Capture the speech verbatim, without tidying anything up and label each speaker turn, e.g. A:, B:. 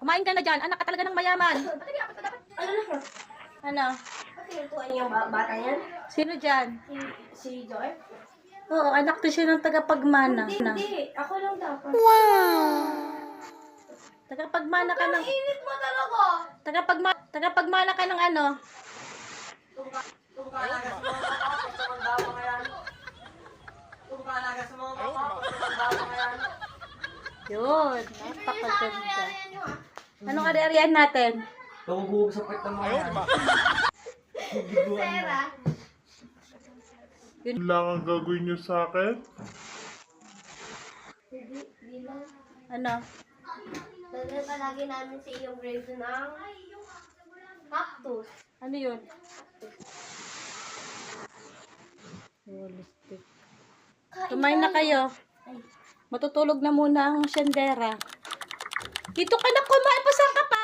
A: Kumain ka na dyan. Anak ka talaga ng mayaman.
B: Ano na?
A: Ano?
B: Ano yung ba- bata yan?
A: Sino dyan?
B: Si, si Joy?
A: Oo, anak to siya ng tagapagmana.
B: Hindi, hindi. Ako lang dapat.
A: Tagapagmana ka ng...
B: Init mo talaga!
A: Tagapagma, tagapagmana ka ng ano?
C: Kung kaalaga sa mga baka, gusto mong dawa nga yan. Kung kaalaga sa mga baka, gusto mong dawa nga yan.
A: Yun. Napakaganda. Anong ari-arian natin?
C: Tumubuhog sa pwet ng mga yan.
B: Pera.
A: Yun.
D: Lang ang gagawin niyo sa akin?
B: Hindi, hindi lang.
A: Ano?
B: Dala palagi namin sa iyong grave ng cactus.
A: Ano yun? Realistic. Kumain na kayo. Matutulog na muna ang siyendera. Dito ka na kumain. Pasan ka pa?